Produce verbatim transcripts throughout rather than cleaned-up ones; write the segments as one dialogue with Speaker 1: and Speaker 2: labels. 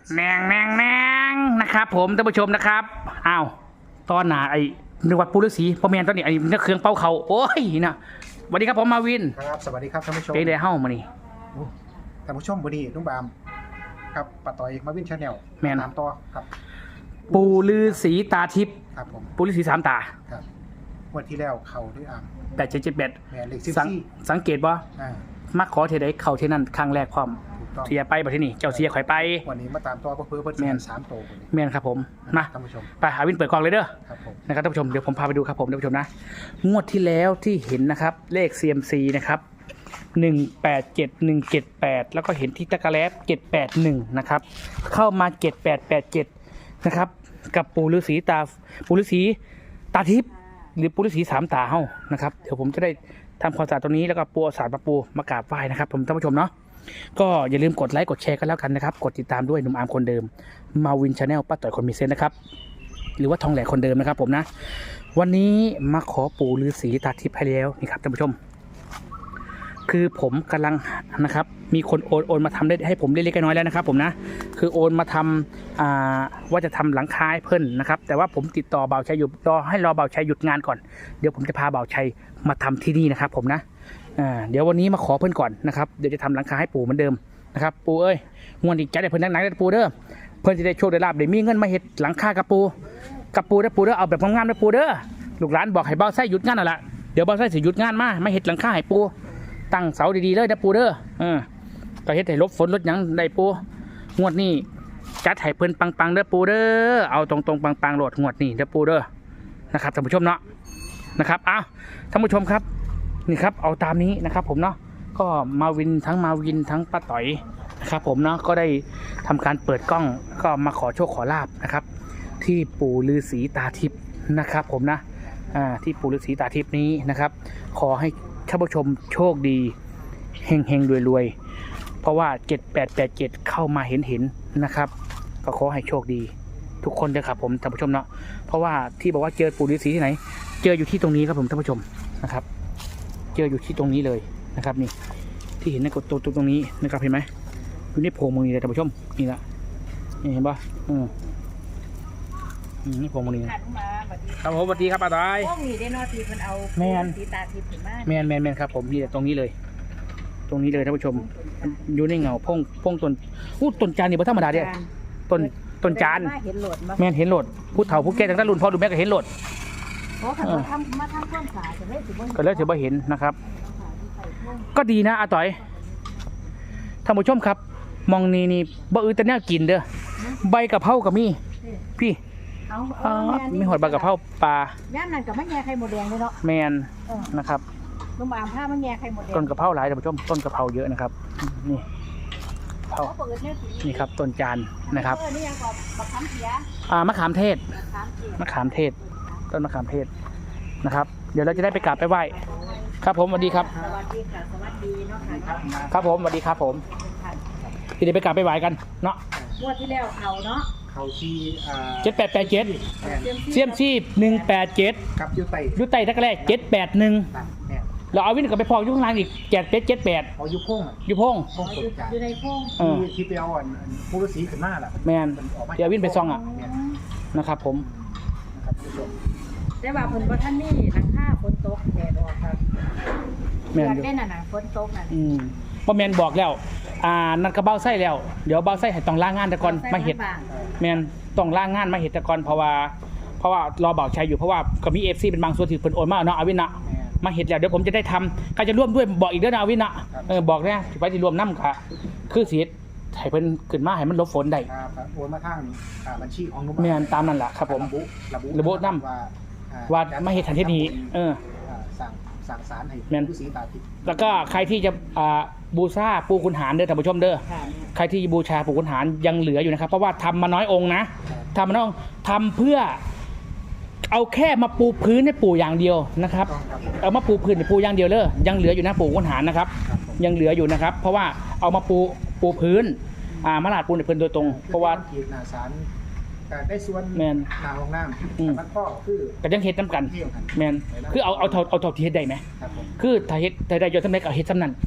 Speaker 1: แนงแนงแนงนะครับผมท่านผู้ชมนะครับอ้าวตอนหนาไอ้นึกว่าปูฤาษีพ่อแม่ตอนนี้ไอ้นักเครื่องเป่าเขาโอ้ยนะสวัสดีครับผมมาวิน
Speaker 2: ครับสวัสดีครับท่านผู้ชม
Speaker 1: เป็นไดเฮ้ามานี่
Speaker 2: โอ้ท่านผู้ชมวันนี้นุ่มบามครับป้าต่อยมาวินชาแนล
Speaker 1: แม่น
Speaker 2: ตามต่อครับ
Speaker 1: ปูฤาษีตาทิพย์
Speaker 2: ครับผม
Speaker 1: ปูฤาษีสามตา
Speaker 2: ครับวันที่แล้วเขาด้วยอ่าง
Speaker 1: แปดเจ็ดเจ็ดแปด
Speaker 2: แม่นเลขสิบ
Speaker 1: สัง
Speaker 2: สี่
Speaker 1: สังเกตบ่
Speaker 2: อ่า
Speaker 1: มักขอเทใดเข้าเทนั้นครั้งแรกความ
Speaker 2: ถูกต้อง
Speaker 1: เสียไปบ่ที่นี่เจ้าเสียข่อยไป
Speaker 2: วันนี้มาตามต่อเพื่อเพื่อ
Speaker 1: แม่
Speaker 2: เพื่
Speaker 1: น
Speaker 2: อสามโตววันนี้
Speaker 1: แม่นครับผมมา
Speaker 2: ท่านผู้ชม
Speaker 1: ไปหาวินเปิดกล่องเลยเด้อ
Speaker 2: ครับผม
Speaker 1: นะครับท่านผู้ชมเดี๋ยวผมพาไปดูครับผมท่านผู้ชมนะงวดที่แล้วที่เห็นนะครับเลข ซี เอ็ม ซี นะครับหนึ่งแปดเจ็ดหนึ่งเจ็ดแปดแล้วก็เห็นที่ตะกะแลบเจ็ดแปดหนึ่งนะครับเข้ามาเจ็ดแปดแปดเจ็ดนะครับกับปู่ฤาษีตาปู่ฤาษีตาทิพย์หรือปู่ฤาษีสามตาเฮ้านะครับเดี๋ยวผมจะได้ทำความสะอาดตรงนี้แล้วก็ปูเอาสารมาปูมากราบไหว้นะครับผมท่านผู้ชมเนาะก็อย่าลืมกดไลค์กดแชร์กันแล้วกันนะครับกดติดตามด้วยหนุ่มอาร์มคนเดิมมาวินชาแนลป้าต่อยคนมีเซนนะครับหรือว่าทองแหลกคนเดิมนะครับผมนะวันนี้มาขอปู่ฤาษีตาทิพย์ให้แล้วนี่ครับท่านผู้ชมคือผมกำลังนะครับมีคนโอนโอนมาทำได้ให้ผมเล็กๆน้อยๆแล้วนะครับผมนะคือโอนมาทำอ่าว่าจะทำหลังคาให้เพิ่นนะครับแต่ว่าผมติดต่อบ่าวชัยอยู่รอให้รอบ่าวชัยหยุดงานก่อนเดี๋ยวผมจะพาบ่าวชัยมาทำที่นี่นะครับผมนะอ่าเดี๋ยววันนี้มาขอเพิ่นก่อนนะครับเดี๋ยวจะทำหลังคาให้ปู่เหมือนเดิมนะครับปู่เอ้ยงวดอีกจัดให้เพิ่นนักๆได้ปู่เด้อเพิ่นจะได้โชคได้ลาภได้มีเงินมาเฮ็ดหลังคากับปู่กับปู่เด้อปู่เด้อเอาแบบงามๆเด้อปู่เด้อลูกหลานบอกให้บ่าวชัยหยุดงานนั่นแหละเดี๋ยวบ่าวชัยสิหยุดงานมามาเฮ็ดหลังคาให้ปู่ตั้งเสาดีๆเลยนะปูเด้อเออก็เฮ็ดให้ลบฝนลดหยังได้ปูงวดนี้จัดให้เพิ่นปังๆเด้อปูเด้อเอาตรงๆปังๆโหลดงวดนี้เด้อปูเด้อนะครับท่านผู้ชมเนาะนะครับอ้าวท่านผู้ชมครับนี่ครับเอาตามนี้นะครับผมเนาะก็มาวินทั้งมาวินทั้งป้าต่อยนะครับผมเนาะก็ได้ทำการเปิดกล้องก็มาขอโชคขอลาบนะครับที่ปู่ฤาษีตาทิพย์นะครับผมนะอ่าที่ปู่ฤาษีตาทิพย์นี้นะครับขอให้ท่านผู้ชมโชคดีเฮงเฮงรวยรวยเพราะว่าเจ็ดแปดแปดเจ็ดเข้ามาเห็นเห็นนะครับก็ขอให้โชคดีทุกคนเลยครับผมท่านผู้ชมเนาะเพราะว่าที่บอกว่าเจอปู่ฤาษีที่ไหนเจออยู่ที่ตรงนี้ครับผมท่านผู้ชมนะครับเจออยู่ที่ตรงนี้เลยนะครับนี่ที่เห็นในกดตัวตรงนี้นะครับเห็นไหมอยู่ในโพรงมือนี่เลยท่านผู้ชมนี่ละนี่เห็นปะอืมนี่โพรงมือนี่ครับผมสวัสดีครับป้าต้อย
Speaker 3: พวกนี้ได้นอทีเพิ่นเอา
Speaker 1: แม่น
Speaker 3: สีตาทิพย์ขึ้นมา
Speaker 1: แมนแมนแมนครับผมนี่ตรงนี้เลย ตรงนี้เลยท่านผู้ชมอยู่ในเงาพงพงต้นอู้ต้นจานนี่บ่ธรรมดาเด้ต้นต้นจาน
Speaker 3: เห็นโหลดมา
Speaker 1: แมนเห็นโหลดผู้เฒ่าผู้แก่ตั้งแต่รุ่นพ่อรุ่นแม่ก็เห็นโหลด
Speaker 3: เพราะคันว่าทำมาทำความสะอาดจะได้สิบ่
Speaker 1: ก็เลยถือว่าเห็นนะครับ ก็ดีนะอาต่อยท่านผู้ชมครับ มองนี่นี่บ่อือแต่แนวกินเด้อใบกะเพราก็มีพี่
Speaker 3: เอา
Speaker 1: อ๋อ
Speaker 3: เอาแม่นี่
Speaker 1: มีหอดใบกะเพราปลา
Speaker 3: ย่านนั่นกับมะแงไข่หมดแดงเลยเนาะ
Speaker 1: แมน
Speaker 3: เออ
Speaker 1: นะครับ
Speaker 3: ลูกหมามผ้ามะแงไข่หมดแดง
Speaker 1: ต้นกะเพราหลายท่านผู้ชมต้นกะเพราเยอะนะครับนี่เผา
Speaker 3: เขาเปิดเนี่ยสี
Speaker 1: นี่ครับต้นจานนะครับ
Speaker 3: เออนี่ยังก็บักคำเสีย
Speaker 1: อ่ามะขามเทศ
Speaker 3: บักคำเสีย
Speaker 1: มะขามเทศต้นมะขามเทศนะครับเดี๋ยวเราจะได้ไปกราบไปไหว้ครับผมสวัสดีครับ
Speaker 3: สวัสดีค่ะสวัสดีเนาะค่ะ
Speaker 1: ครับผมสวัสดีครับผมเดี๋ยวไปกราบไปไหว้กันเนาะ
Speaker 3: งวดที่แล้วเขาเนาะ
Speaker 2: เขาที่อ่า
Speaker 1: เจ็ดแปดแปดเจ็ด
Speaker 2: แม่น
Speaker 1: เซียมซีหนึ่งแปดเจ็ด
Speaker 2: กับยูไต
Speaker 1: ยุไตทักแรกเจ็ดแปดหนึ่ง
Speaker 2: นั่นแม่น
Speaker 1: เราเอาวิ่งกลับไปพอยุข้างล่างอีกเจ็ดเป็ดเจ็ดแปด
Speaker 2: เอายุพ่ง
Speaker 1: ยุพง
Speaker 2: พ่ง
Speaker 3: อ
Speaker 2: ต
Speaker 3: ยู่
Speaker 2: กจาน
Speaker 3: อยู่ในโพง
Speaker 1: เออ
Speaker 2: ที่ที่ไปเอาอันอันผู้ฤาษีขึ้นมาล่ะ
Speaker 1: แมนเดี๋ยววิ่งไปซองอ่ะ
Speaker 2: แม่น
Speaker 1: นะครับผม
Speaker 2: นะครับท่านผู้ชม
Speaker 3: แต่ว่าเพิ่นบ่ทันนี่หลังคาฝนตกแดดออกครับ
Speaker 1: แมน
Speaker 3: อยาก
Speaker 1: อยู่
Speaker 3: ได้น่ะน่ะฝนตกน่ะ
Speaker 1: อืมพอแมนบอกแล้วอ่านัดกระเบ้าไส้แล้วเดี๋ยวเบ้าไส้ให้ต้องล่างงานแต่ก่อนมาเห็ด แมนต้องล่างงานมาเห็ดแต่ก่อนเพราะว่าเพราะว่ารอบ่าวชัยอยู่เพราะว่าก็มีเอฟซีเป็นบางส่วนที่เพิ่นโอนมาเนาะอาวินเนาะ
Speaker 2: แม่น
Speaker 1: มาเห็ดแล้วเดี๋ยวผมจะได้ทำใครจะร่วมด้วยบอกอีกเด้อนะอาวินเนาะเออบอกนะไปที่รวมน้ำค่ะคือสิให้เพิ่นขึ้นมาให้มันหลบฝนได้
Speaker 2: ครับโอนมาทางอ่าบัญชีของนุ่ม
Speaker 1: แมนตามนั่นแหละครับผม
Speaker 2: ระบุระบุ
Speaker 1: ระบุนำ
Speaker 2: ว่าอ่
Speaker 1: ว่ามาเห็ดทันทีนี้เออ
Speaker 2: อ่าสั่งสั่งสารให้
Speaker 1: แม่น
Speaker 2: ผู้ศรีตาทิพย์
Speaker 1: แล้วก็ใครที่จะอ่าบูชาปู่ขุนหารเด้อท่านผู้ชมเด้อ
Speaker 3: ค่ะ
Speaker 1: ใครที่บูชาปู่ขุนหารยังเหลืออยู่นะครับเพราะว่าทำมาน้อยองค์นะทำมาน้อยองค์ทำเพื่อเอาแค่มาปูพื้นให้ปู่อย่างเดียวนะครับ
Speaker 2: ต้องครับ
Speaker 1: เอามาปูพื้นให้ปู่อย่างเดียวเลยยังเหลืออยู่นะปู่ขุนหารนะครับ
Speaker 2: ครับผม
Speaker 1: ยังเหลืออยู่นะครับ เพราะว่าเอามาปูปูพื้นอ่ามาลาดปูนในพื้นโดยตรง เพราะว่า
Speaker 2: ขีดหนาสารแต่ได้ส่วน
Speaker 1: แม่น
Speaker 2: หนาห้องน้
Speaker 1: อืม
Speaker 2: ำมันก็คือ
Speaker 1: ก็ยังเฮ็ดน้ำกัน
Speaker 2: เที่ยวกัน
Speaker 1: แมนคือเอาเอาเท่าเอาเท่าที่เฮ็ดได้ไหม
Speaker 2: ครับผม
Speaker 1: คือถ้าเฮ็ดถ้าได้ยอดสำเร็จเอาเฮ็ดสำนั้น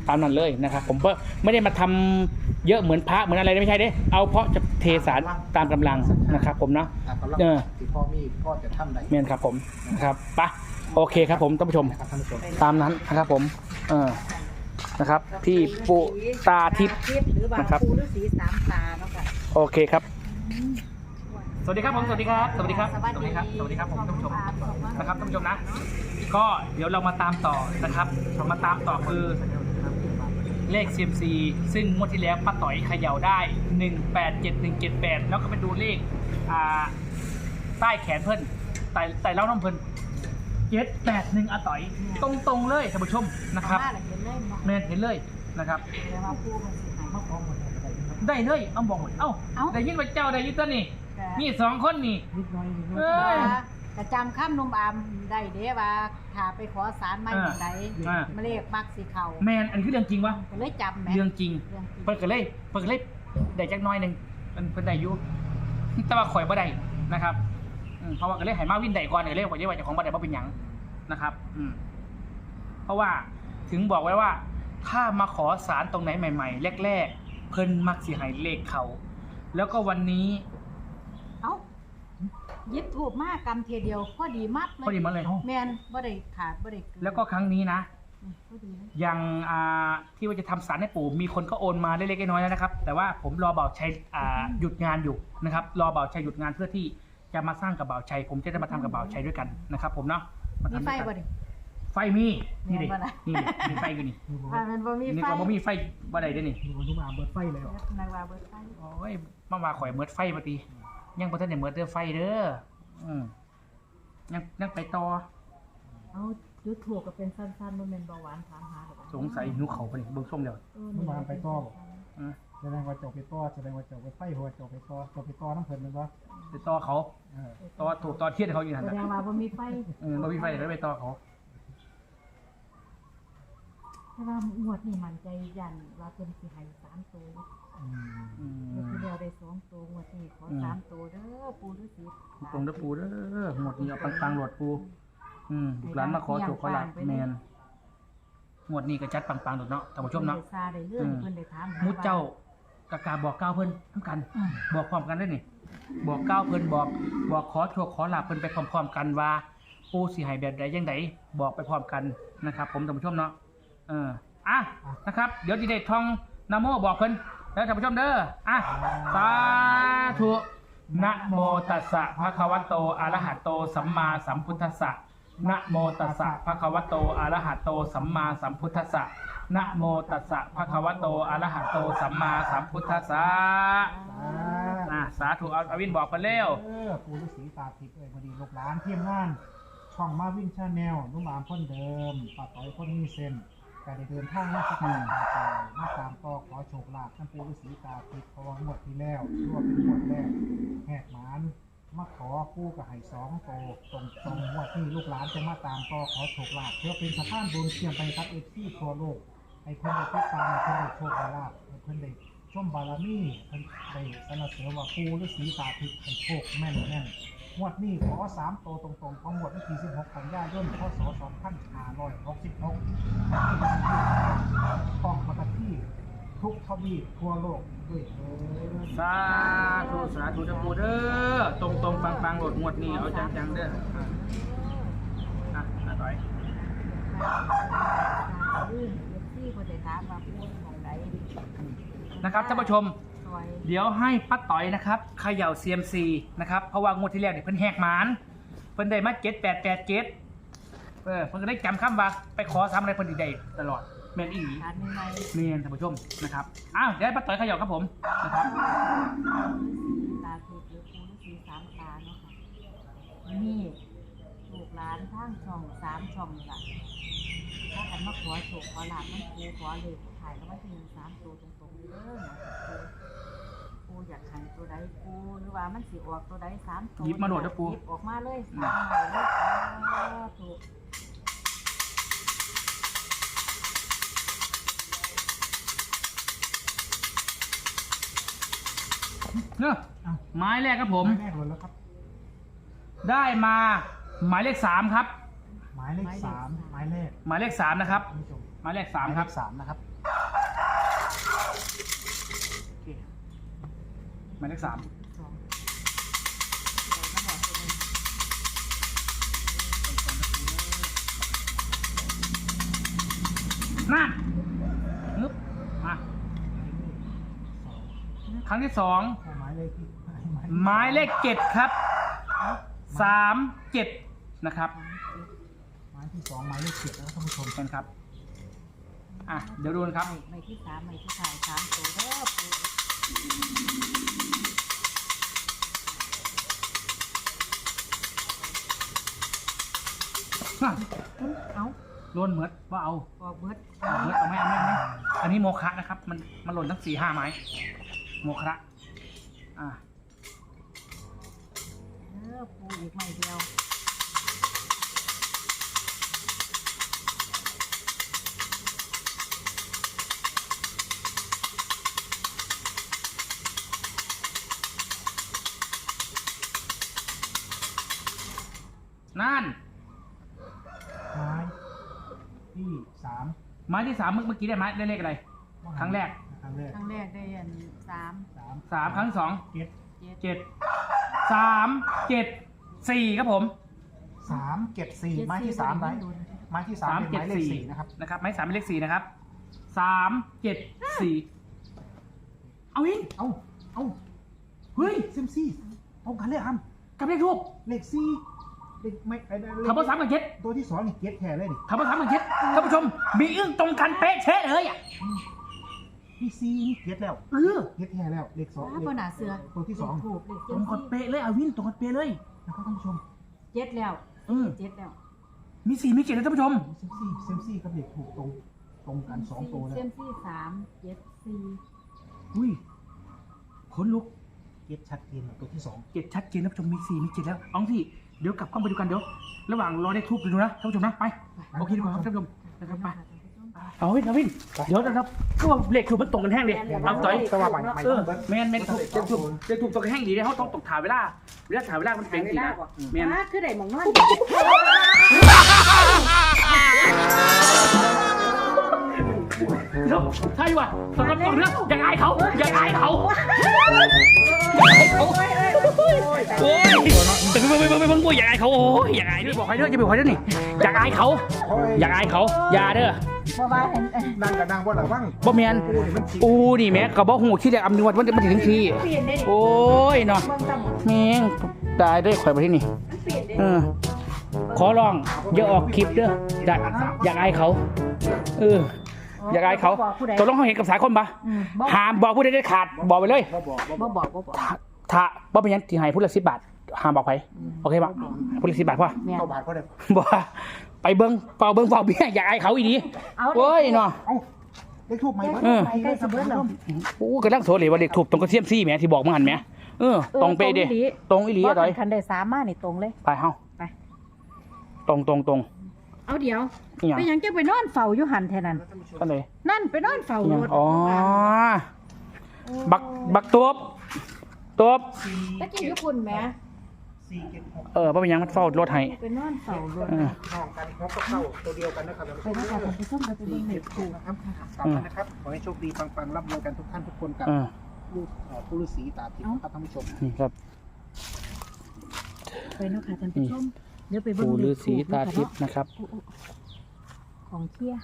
Speaker 1: ตามนั้นเลยนะครับ ผมก็ไม่ได้มาทำเยอะเหมือนพระเหมือนอะไรไม่ใช่เด้เอาเพราะจะเทสารตามกำลังนะครับผมเนาะ
Speaker 2: ตามกำลัง
Speaker 1: เออ
Speaker 2: ที่พ่อมีพ่อจะทำได้
Speaker 1: เมียนครับผมนะครับไปะโอเคครับผมท่านผู้ชม
Speaker 2: นะครับท่านผู้ชม
Speaker 1: ตามนั้นนะครับผมเออนะครับที่ปูตาทิพย์
Speaker 3: หรือว่า
Speaker 1: นะครับ
Speaker 3: ปูฤาษีสามตาเนาะค่ะ
Speaker 1: โอเคครับ สวัสดีครับผมสวัสดีครับสวัสดีครับ
Speaker 3: สวัสดี
Speaker 1: ครับสวัสดีครับผมท่านผู้ชม
Speaker 3: ขอบคุณมาก
Speaker 1: นะครับท่านผู้ชมนะ ก็เดี๋ยวเรามาตามต่อนะครับเรามาตามต่อคือเลข ซี เอ็ม ซี ซึ่งงวดที่แล้วป้าต่อยเขย่าได้หนึ่งแปดเจ็ดหนึ่งเจ็ดแปดแล้วก็ไปดูเลขอ่าใต้แขนเพิ่นไต่ไต่เล่าน้ำเพิ่นเจ็ดแปดหนึ่งอาต่อย ตรงๆเลยท่านผู้ชมนะครับ
Speaker 3: เอามาแล้วเห็นเลยเนาะ
Speaker 1: แมนเห็นเลยนะครับ
Speaker 3: เดี๋ยวมาปูมันสิหายมาของหมดเลย
Speaker 1: ได้เลยเอาบอกหมดเอ้า
Speaker 3: เอ้า
Speaker 1: ได้ยินว่าเจ้าได้ยินตัวนี่นี่สองคนนี่
Speaker 2: นิดน้อยนิดน้อย
Speaker 1: เอ้ย
Speaker 3: กระจำข้ามนุ่มอามได้เด้ว่าถ้าไปขอสารไม่
Speaker 1: อ่า
Speaker 3: หมดใด
Speaker 1: อ่า
Speaker 3: มาเลขมักสีเขา
Speaker 1: แมนอันนี้คือเรื่องจริงวะ
Speaker 3: ก็เลยจำแหม
Speaker 1: เรื่องจริง
Speaker 3: เรื่องจริง
Speaker 1: เปิดกันเลยเปิดกันเลยได้จักหน้อยหนึ่งมันเพิ่นได้อยู่แต่ว่าข่อยบ่ได้นะครับอืมเพราะว่าก็เลยให้มาวินได้ก่อนก็เลยว่าจะว่าเจ้าของบ่ได้บ่เป็นหยังนะครับ อืมเพราะว่าถึงบอกไว้ว่า ถ้ามาขอสารตรงไหนใหม่ๆแรกๆเพิ่นมักสิให้เลขเขาแล้วก็วันนี้
Speaker 3: เอ้ายิบถูกมากกรรมเทเดียวพอดีมากเลย
Speaker 1: พอดีมาเลย
Speaker 3: แมนบ่ได้ขาดบ่ได้เกิน
Speaker 1: แล้วก็ครั้งนี้นะ
Speaker 3: อืมพอดีนะ
Speaker 1: อย่างอ่าที่ว่าจะทำสารให้ปู่มีคนก็โอนมาเล็กๆน้อยๆแล้วนะครับ แต่ว่าผมรอเบาชัยอ่าหยุดงานอยู่นะครับ รอเบาชัยหยุดงานเพื่อที่จะมาสร้างกับเบาชัย ผมจะได้มาทำกับเบาชัยด้วยกันนะครับ ผมเนาะา
Speaker 3: มี
Speaker 1: ทำ
Speaker 3: ไฟ
Speaker 1: ด้วยกัน
Speaker 3: บ่ดิ
Speaker 1: ไฟมีนี่ดิ
Speaker 3: แม่นบ่ล่ะ
Speaker 1: นี่ดิมีไฟอยู่นี่
Speaker 3: ถ้ามันบ่มี
Speaker 1: นี่
Speaker 3: ไฟ
Speaker 1: ก็บ่มีไฟบ่ได้เด้อนี่
Speaker 2: มีคนทุกมาเบิดไฟแล้ว
Speaker 3: นายว่าเบิดไฟ
Speaker 1: โอ้ยมาว่าข่อยเมิดไฟมาตียังบ่ทันได้เมิดเด้อไฟเด้ออืมยังยังไปต่อ
Speaker 3: เอาจุดถูกก็เป็นสั้นๆบ่แม่นเบาหวานถามหาดอก
Speaker 1: สงสัยหิวเขาวปะนี่เบิ่งส้มแล้ว
Speaker 3: เออ
Speaker 2: นุ่มอามไปต่อบ่
Speaker 1: อืม
Speaker 2: แสดงว่าเจ้าไปต่อแสดงว่าเจ้าไปไฟหัวเจ้าไปต่อเจ้าไปต่อน้ำเพิ่นแมันบ่
Speaker 1: ไปต่อเขา
Speaker 2: เออ
Speaker 1: ต่อถูกต่อเทียนเขาอยู่นั่น
Speaker 3: แส
Speaker 1: น่ะ
Speaker 3: ดงว่าบ่มีไฟ
Speaker 1: เออบ่มีไฟเดี๋ยวไปต่อเขา
Speaker 3: แต่ว่างวดนี้มั่นใจยันว่าเพิ่นสิให้สามตัว
Speaker 2: อืม
Speaker 1: อืม
Speaker 3: งวดที่แล้วได้สองตัวงวดนี้ขอสามตัวเด้อปู่ฤาษี
Speaker 1: ตรงเด้อปูเด้อหมดนี้เอาปังๆโหลดปูอืมลูกหลานมาขอโชคขอลาภแมนหมวดนี้ก็จัดปังๆโดดเนาะท่านผู้ชมเนาะ
Speaker 3: พิ่ได้ซาได้เรื่องเพิ่นได้ถามห
Speaker 1: มุดเจ้ากะกาบอกก้าวเพิ่นทั้งกัน บอกพร้อมกันได้นี่ บอกก้าวเพิ่นบอกบอกขอโชคขอลาภเพิ่นไปพร้อมๆกันว่าปูสิให้แบบใดจังไดบอกไปพร้อมกันนะครับ ผมท่านผู้ชมเนาะเอออ่ะนะครับ เดี๋ยวสิได้ท่องนะโมบอกเพิ่นแล้วท่านผู้ชมเด้ออ่ะสาธุนะโมตัสสะภะคะวะโตอะระหะโตสัมมาสัมพุทธัสสะนะโมตัสสะภะคะวะโตอะระหะโตสัมมาสัมพุทธัสสะนะโมตัสสะภะคะวะโตอะระหะโตสัมมาสัมพุทธัสสะอ่ะสาธุเอาอวินบอกเพิ่นเร็ว
Speaker 2: เออปู่ฤาษีตาทิพย์เอ้ยพอดีลูกหลานทีมงาน ช่องมาวินชาแนลนุ่มอามคนเดิมป้าต้อยคนมีเส้นก็ได้เดินทางมาสักการะตาต่อมาตามต่อขอโชคลาภท่านปู่ฤาษีตาทิพย์เพราะว่างวดที่แล้วรวบเป็นงวดแรกแหกหมานมาขอกู้กับไห่สองโตตรงตรงงวดที่ลูกหลานจะมาตามต่อขอโชคลาภเพื่อเป็นสะพานบุญเชื่อมไปครับเอฟซีทั่วโลกให้เพิ่นได้ติดตามให้เพิ่นได้โชคได้ลาภให้เพิ่นได้ชมบารมีเพิ่นได้สรรเสริญว่าปู่ฤาษีตาทิพย์ให้โชคแม่นแน่น งวดนี้ขอสามโตวตรงๆของงวดวันที่สิบหกกันยายนพศสองพันห้าร้อยหกสิบหกต้องมาที่ทุกทวีปทั่วโลกด้วยเถิด
Speaker 1: สาธุสาธุเด้อปูเด้อตรงตรงปังปังๆโหลดงวดนี้เอาจังๆเด้ออ่ะอ่ะอ่ะต่อย
Speaker 3: ลื่นเอฟซีเพิ่นได้ถามว่าปู่ของใด
Speaker 1: นะครับท่านผู้ชม
Speaker 3: ซอย
Speaker 1: เดี๋ยวให้ป้าต่อยนะครับเขย่า ซี เอ็ม ซี นะครับเพราะว่างวดที่แล้วเนี่ยเพิ่นแหกหมานเพิ่นได้มาเจ็ดแปดแปดเจ็ดเออเพิ่นก็ได้จำคำว่าไปขอซ้ำอะไรเพิ่นอีกได้ตลอดแมนอีหลี
Speaker 3: ถามใหม่
Speaker 1: เมียนท่านผู้ชมนะครับอ้าวเดี๋ยวให้ป้าต่อยเขย่าครับผมนะครับ
Speaker 3: ๆตาถูกหรือปู่ฤาษีสามตาเนาะค่ะนี่ลูกหลานทางช่องสามช่องนี่ล่ะถ้ากันมาขอโชคขอลาภมันปู่ขอเลขถ่ายแล้วว่าที่หนึ่งสามตัวตรงๆเด้อนะปู่ปู่อยากให้ตัวใดปู่หรือว่ามันสิออกตัวใดสามตัว
Speaker 1: หยิบมาโหลดนะปู่
Speaker 3: หยิบออกมาเลยสามใบเลยสาธุ
Speaker 1: เนอะไม้แรกครับผม
Speaker 2: หมายแรกเลยแล้วครับ
Speaker 1: ได้มาหมายเลขสามครับ
Speaker 2: หมายเลขสามหมายเลข
Speaker 1: หมายเลขสามนะครับ
Speaker 2: ท่านผู้ชม
Speaker 1: หมายเลขสามครับ
Speaker 2: หมายเลขสามนะครับ
Speaker 1: หมายเลขสาม
Speaker 3: สองเดี๋ยวมาบอกตัวหนึ่ง
Speaker 1: นั่นนึบมาครั้งที่สอง
Speaker 2: หมายเลขที่
Speaker 1: หมายเลขเจ็ดครับสามเจ็ดนะครับ
Speaker 2: หมายที่สองหมายเลขเจ็ดแล้วท่านผู้ชม
Speaker 1: กันครับอ่ะเดี๋ยวดูนะครับ
Speaker 3: ไม่ไม่ที่สามไม่ที่ถ่ายสามตัวเด้อปู เอา
Speaker 1: โดนเหมือดว่าเอา
Speaker 3: บอกเบิด
Speaker 1: เอาเหมือดเอาไหมเอาไหมเอาไหมอันนี้โมคะนะครับ มันมันหล่นทั้งสี่ห้าไม้โมคะอ่ะ
Speaker 3: เออปูอีกไม่เดียว
Speaker 1: นั่น
Speaker 2: หมายที่สาม
Speaker 1: ไม้ที่สามเมื่อเมื่อกี้ได้ไม้ได้เลขอะไร ครั้งแรก
Speaker 2: ครั้งแรก
Speaker 3: ครั้งแรกได้อันสาม
Speaker 2: สาม
Speaker 1: สามครั้งที่สอง
Speaker 2: เจ็ด
Speaker 3: เจ็ด
Speaker 1: เจ็ดสามเจ็ดสี่ครับผม
Speaker 2: สามเจ็ดสี่
Speaker 3: เจ็ด
Speaker 2: ไม้ที่สาม
Speaker 3: สี่
Speaker 2: ไม้
Speaker 3: โดน
Speaker 2: ไม้ที่สามเป็นหมายเลขสี่นะครับ
Speaker 1: นะครับไม้สามเป็นเลขสี่นะครับสามเจ็ดสี่เอาอิน
Speaker 2: เอ้าเอ้า
Speaker 1: เฮ้ย
Speaker 2: เซมซี่ตรงกันเลยครับ
Speaker 1: กับเลขทูบ
Speaker 2: เลขสี่เลขไม่ไอ้เลข
Speaker 1: คำว่าสามกับเจ็ด
Speaker 2: ตัวที่สองนี่เจ็ดแท้เลยดิ
Speaker 1: คำว่าสามกับเจ็ดท่านผู้ชมมีอึ้งตรงกันเป๊ะเชะเลยอ่ะ
Speaker 2: พี่ซีนี่เจ็ดแล้ว
Speaker 1: เออ
Speaker 2: เจ็ดแท้แล้วเลขสอง
Speaker 3: อ้า
Speaker 2: เล
Speaker 3: บ
Speaker 2: ข
Speaker 3: นหนาเสือ
Speaker 2: ตัวที่สอง
Speaker 3: ถูกเลข
Speaker 1: ตรงกันเป๊ะเลยเอาวินตรงกันเป๊ะเลย
Speaker 2: นะครับท่านผู้ชม
Speaker 3: เจ็ดแล้ว
Speaker 1: เออ
Speaker 3: เจ็ดแล้ว
Speaker 1: มีสี่มีเจ็ดนะท่านผู้ชม
Speaker 2: เซมซี่เซมซี่กับเลขถูกตรงตรงกันสองตัวแล้ว
Speaker 3: เซมซี่สามเจ็ดสี่
Speaker 1: อุ้ยขนลุก
Speaker 2: เจ็ดชัดเจนตัวที่สอง
Speaker 1: เจ็ดชัดเจนท่านผู้ชมมีสี่มีเจ็ดแล้วเอาสิเดี๋ยวกลับกล้องไปดูกันเดี๋ยวระหว่างรอได้ทูบดูนะท่านผู้ชมนะไปโอเคดีกว่าครับท่านผู้ชมนะครับไปเอาวินเอาวินเดี๋ยวนะครับก็ว่าเลขถูกมันตรงกันแห้งเลยเอาต่อย
Speaker 2: สว่าใหม่ใหม่
Speaker 1: เออแมนแมนถูกถูกถูกเลขถูกตรงกันแห้งดีเลยเขาต้องตกถ่ายเวลาเวลาถ่ายเวลามันเป็นสีนะแมน
Speaker 3: อ่าคือได้หมองนอน
Speaker 1: เดี๋ยวใช่ว่ะสำหรับตรงเนี้ยอย่าอายเขาอย่าอายเขาอย่าอายเขาโอ้ยแต่ไม่ไม่ไม่ไม่ไม่อย่าอายเขาโอ้ยอย่าอายด้วยบอกใครเด้ออย่าบอกใครเด้อนี่อย่าอายเขาอย่าอายเขาอย่าเด้อ
Speaker 3: บ่ว่าเห็น
Speaker 2: นั่งกับนั่งบนหลังบ้าง
Speaker 1: บ่แมนอูนี่แม่กับบ่หูที่จะอำนวยมันมันถึงทีโอ้ยเนาะแม่งตายได้ข่อยไปที่นี่เออขอร้องอย่าออกคลิปเด้ออยากอยากอายเขาเอออยากอายเขาตกลงเขาเห็นกับสายคนปะห้ามบอกผู้ใดได้ขาดบอกไปเลย
Speaker 2: บ่บอกบ่บ
Speaker 3: บ่
Speaker 2: อก
Speaker 3: บอกบ่บอก
Speaker 1: ถ้าบ่เป็นหยังที่ให้ผู้ละสิบบาทห้ามบอกไปโอเคปะผู้ละสิบบาทพ่อ
Speaker 3: แม่น
Speaker 2: เข้าบาทก็ได้
Speaker 1: บ่ไปเบิ้งเป่าเบิ้งเป่าเบี้ยอยากอายเขาอีดีโอ้ยเนาะ
Speaker 2: เอ้าเลขทูบใหม่
Speaker 1: เออ
Speaker 3: ไปใกล้สิเบิดแล้ว
Speaker 1: โอ้กำลังโสเลยว่าเด็กถูกตรงกระเทียมซี่แหมที่บอกมึงหันแหมเออตรงเป๊ะเด้ตรงอีหลีอะต่อย
Speaker 3: คันได้สามมานี่ตรงเลย
Speaker 1: ไปเฮา
Speaker 3: ไป
Speaker 1: ตรงตรงตรง
Speaker 3: เอาเดี๋ยว
Speaker 1: นี่หยัง
Speaker 3: ไปยังจะไปนอนเฝ้าอยู่หันแท่นั้น
Speaker 1: กันเลย
Speaker 3: นั่นไปนอนเฝ้า
Speaker 1: นี่ห
Speaker 3: ร
Speaker 1: ยัง
Speaker 3: ถ
Speaker 1: อ๋อบักบักตัวบตัวบ
Speaker 3: ตะกี้ญี่ปุ่นแหม
Speaker 2: สี่เจ็ดหก
Speaker 1: เออบ่เป็นหยังมันเฝ้ารถให้
Speaker 3: ไปนอนเฝ้ารถ
Speaker 1: เออ
Speaker 2: น้องกันพบกับเข้าตัวเดียวกันนะครับ
Speaker 3: ไปนะคะท่านผู้ชมไปเบิ่งเด็กถูก
Speaker 2: นะครับสามท่านนะครับขอให้โชคดีปังๆร่ำรวยกันทุกท่านทุกคนกับ
Speaker 1: เออ
Speaker 2: ลูกเอ่อผู้ฤาษีตาทิพย์ครับท่านผู้ชม
Speaker 1: นี่ครับ
Speaker 3: ไปเนาะค่ะท่านผู้ชมเดี๋ยวไปเบิ่ง
Speaker 1: ปู่ฤาษี
Speaker 3: เลข
Speaker 1: ตา
Speaker 3: ถูก
Speaker 1: ทิพย์นะครับ
Speaker 3: โอ้โอ้ของเที่ย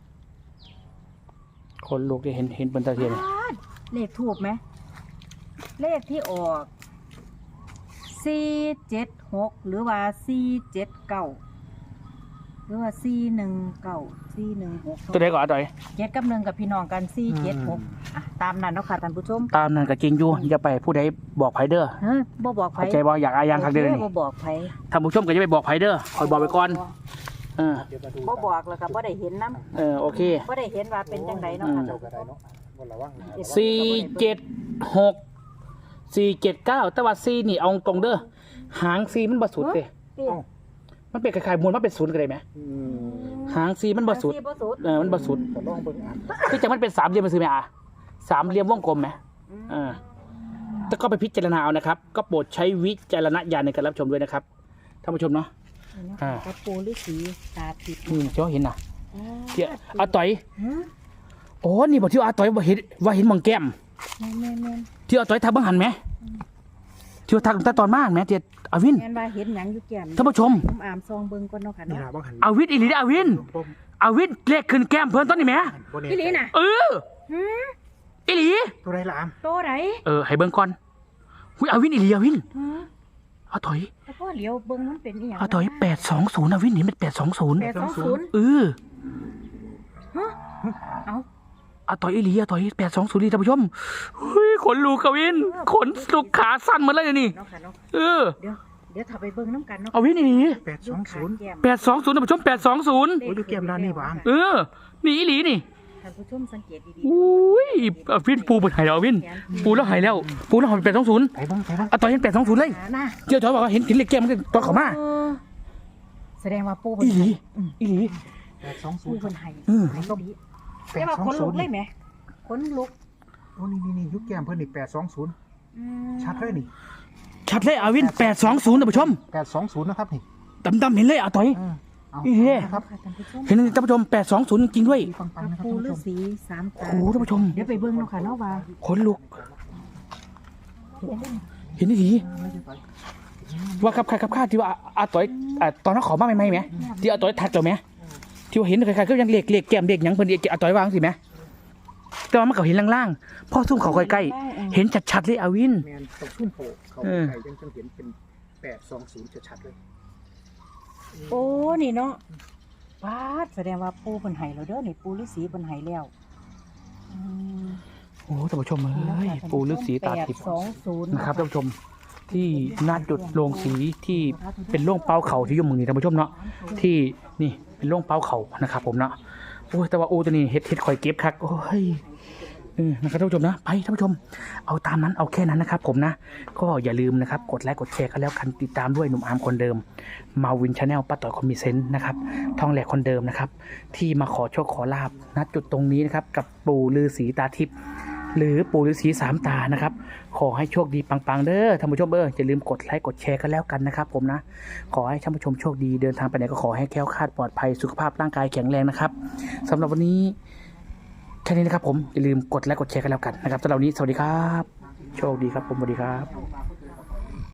Speaker 1: คนลูกได้เห็นเห็นบนตาเทียน
Speaker 3: เลขถูกไหมเลขที่ออกสี่เจ็ดหกหรือว่าสี่เจ็ดเก้าหรือว่าสี่หนึ่งเก้าสี่หนึ่งหก
Speaker 1: ตัวใดก่อนอะต่อย
Speaker 3: เจ็ดกับหนึ่งกับพี่น้องกันสี่เจ็ดหกอ่ะตามนั้นเนาะค่ะท่านผู้ชม
Speaker 1: ตามนั้นก็จริงอยู่อย่าไปผู้ใดบอกไผเด้อ
Speaker 3: เฮ้ยบ่บอกไผ
Speaker 1: เข้าใจบ่อยากอายยังคักเด้อนี่
Speaker 3: บ่บอกไผ
Speaker 1: ท่านผู้ชมก็จะไปบอกไผเด้อคอยบอกไปก่อนเออ
Speaker 2: เดี๋ยวมาดู
Speaker 3: บ่บอกแล้วก็บ่ได้เห็นนํ
Speaker 1: เออโอเค
Speaker 3: บ่ได้เห็นว่าเป็นจังไดเนาะค่ะ
Speaker 2: เจ้าก็ได้เนาะวันละว่างนะ
Speaker 1: สี่เจ็ดหกสี่เจ็ดเก้าแต่ว่าสี่นี่เอาตรงเด้อหางสี่มันบ่สุดเด้
Speaker 3: เอ้ย
Speaker 1: มันเป็นคล้ายๆมวลมันเป็นศูนย์กันเลยไหม
Speaker 2: อืม
Speaker 1: หางสี่มันบ่สุด
Speaker 3: สี่บ่สุด
Speaker 1: เออมันบ่สุด
Speaker 2: ก็ลองเบิ่งอ่าน
Speaker 1: คือจะมันเป็นสามเหลี่ยมมันซื้อไหมอ่ะสามเหลี่ยมวงกลมไหมเออแต่ก็ไปพิจารณาเอานะครับ ก็โปรดใช้วิจารณญาณในการรับชมด้วยนะครับท่านผู้ชมเนาะ อ่า
Speaker 3: กับปูฤาษีตาทิพย์
Speaker 1: อืมเจ้าเห็นน่ะ
Speaker 3: อ๋อ
Speaker 1: เดี๋ยวอาต่อย
Speaker 3: ฮะ
Speaker 1: โอ้นี่บอกที่อาต่อยว่าเห็นว่าเห็นหมองแก้ม
Speaker 3: แม่นแม่นแม่น
Speaker 1: ที่เอาต่อยทักบังหันไหมที่ว่าทักตั้งแต่ตอนมากไหมเจ็ดอาวิน
Speaker 3: แม่นว่าเห็นหยังอยู่แก้ม
Speaker 1: ท่านผู้ชม
Speaker 3: น้ำอามซองเบิ่งก่อนเนาะค่ะ
Speaker 2: นี่
Speaker 3: เนาะ
Speaker 2: ล่ะบ่หัน
Speaker 1: อาวินอีหลีเด้ออาวิน
Speaker 2: บ่
Speaker 1: อาวินเลขขึ้นแก้มเพิ่นต้นนี่ไหม
Speaker 2: บ่แ
Speaker 3: พี่ลีน่ะ
Speaker 1: เออ
Speaker 3: หืม
Speaker 1: อีหลี
Speaker 2: ตัวใดล่ะอาม
Speaker 3: โตไหน
Speaker 1: เออให้เบิ่งก่อนหุยอาวินอีหลีอาวิน
Speaker 3: หืม
Speaker 1: เอาถอย
Speaker 3: แล้วก็เหลียวเบิ่งมันเป็นอีหยัง
Speaker 1: เอาถอยแปดสองศูนย์อาวินนี่มันแปดสองศูนย์
Speaker 3: แปดสองศูนย์
Speaker 1: เออ
Speaker 3: ฮะเอา
Speaker 1: เอาต่อยอีหลีเอาต่อยแปดสองศูนย์ท่านผู้ชมเฮ้ยขนลุกอาวินขนลุกขาสั้นหมดเลยเดี๋ยวนี่
Speaker 3: เนาะค่ะเนาะ
Speaker 1: เออ
Speaker 3: เดี๋ยวเดี๋ยวถ้าไปเบิ่งน้ำกันเนาะ
Speaker 1: อาวินอีหลี
Speaker 2: แปดสองศูนย์
Speaker 3: แก้ม
Speaker 1: แปดสองศูนย์ท่านผู้ชมแปดสองศูนย์
Speaker 2: โอ้ยอยู่แก้มด้านนี้บ่อาม
Speaker 1: เออนี่อีหลีนี่
Speaker 3: ท่านผู้ชมสังเกตดี
Speaker 1: อุ้ยอาวินปูเปิดหายแล้วอาวินปูแล้วหายแล้วปูแล้วหายแปดสองศูนย์
Speaker 2: ไปเบิ่งไปเบิ่ง
Speaker 1: เอาต่อยเห็นแปดสองศูนย์เลย
Speaker 3: หาหน้า
Speaker 1: เจ้าถอยบอกว่าเห็นเห็นเลขแก้มมันก็ตัวเขามา
Speaker 3: เออแสดงว่าปู
Speaker 1: อีหลี
Speaker 3: อืม
Speaker 1: อีหลี
Speaker 2: แปดสองศู
Speaker 3: ปู
Speaker 2: นย์
Speaker 3: เพิ่นให้
Speaker 1: อืม
Speaker 3: ให้ดี
Speaker 2: แป
Speaker 3: แต่
Speaker 2: ด
Speaker 3: ว่า
Speaker 2: สอง
Speaker 3: ขน
Speaker 2: ศู
Speaker 3: ลุ
Speaker 2: น
Speaker 3: ก
Speaker 2: ย์
Speaker 3: เลยไหมขนลุก
Speaker 2: โอ้นี่นี่นี่ยุคแก้มเพิ่นนี่แปดสองศูนย์
Speaker 3: อืม
Speaker 2: ชัดเลยนี่
Speaker 1: ชัดเลยอาวินแปดสองศูนย์ท่านผู้ชม
Speaker 2: แปดสองศูนย์นะครับนี่
Speaker 1: ดำๆเห็นเลยเอาต่อย
Speaker 2: เออเอา
Speaker 1: อีเหี้ย
Speaker 2: นะครับ
Speaker 3: ค่ะท่านผู้ชม
Speaker 1: เห็นท่านผู้ชมแปดสองศูนย์จริงๆด้วย
Speaker 2: ปัง
Speaker 3: พ
Speaker 2: ปัง
Speaker 3: ระ
Speaker 2: นะครับ
Speaker 3: ปู
Speaker 2: ท่าน
Speaker 3: ฤา
Speaker 2: ผู้ชม
Speaker 3: ษีสามตา
Speaker 1: โอ้โหท่านผู้ชม
Speaker 3: เดี๋ยวไปเบิ่งเนาะค่ะเนาะว่า
Speaker 1: ขนลุก เห็นดีว่าครับใครครับข้าที่ว่าอาต่อยอ่าตอนนั้นขอมาใหม่ๆไหมที่อาต่อยทักเราไหมที่ว่าเห็นใครๆก็ยังเล็กเล็กแก้มเด็กยังเพิ่นอาต่อยวางสิไหมแต่ว่ามันก็เห็นล่างๆพ่อซุ่มเขาใกล้ๆเห็นชัดๆเลยอาวิน
Speaker 2: แมนตกชุ่มโผล่เขา
Speaker 1: เออ
Speaker 2: ไก่ยังจังเห็นเป็นแปดสองศูนย์ชัดๆเลย
Speaker 3: โอ้นี่เนาะปาดแสดงว่าปูเพิ่นให้แล้วเด้อนี่ปูฤาษีเพิ่นให้แล้วอืม
Speaker 1: โอ้ท่านผู้ชมเอ้ยปูฤาษีตาทิพย์
Speaker 3: สองศูนย์
Speaker 1: นะครับท่านผู้ชมที่หน้าจุดโรงสีที่เป็นโร่งเป้าเขาที่อยุ่หมือนี่ท่านผู้ชมเนาะที่นี่เป็นโร่งเป้าเขานะครับผมเนาะโอ้ยแต่ว่าโอ้ตัวนี้เฮ็ดเฮ็ดคอยเก็บคักโอ้ยเออนะครับท่านผู้ชมนะไปท่านผู้ชมเอาตามนั้นเอาแค่นั้นนะครับผมนะก็อย่าลืมนะครับกดไลค์กดแชร์กันแล้วกันติดตามด้วยหนุ่มอาร์มคนเดิมมาวินชาแนลป้าต่อยคนมีเซนต์นะครับทองแหลกคนเดิมนะครับที่มาขอโชคขอลาบณจุดตรงนี้นะครับกับปู่ฤาษีตาทิพย์หรือปู่ฤาษีสามตานะครับขอให้โชคดีปังๆเด้อท่านผู้ชมเอออย่าลืมกดไลค์กดแชร์กันแล้วกันนะครับผมนะขอให้ท่านผู้ชมโชคดีเดินทางไปไหนก็ขอให้แคล้วคลาดปลอดภัยสุขภาพร่างกายแข็งแรงนะครับสำหรับวันนี้แค่นี้นะครับผมอย่าลืมกดไลค์กดแชร์กันแล้วกันนะครับสำหรับวันนี้สวัสดีครับโชคดีครับผมสวัสดีครับ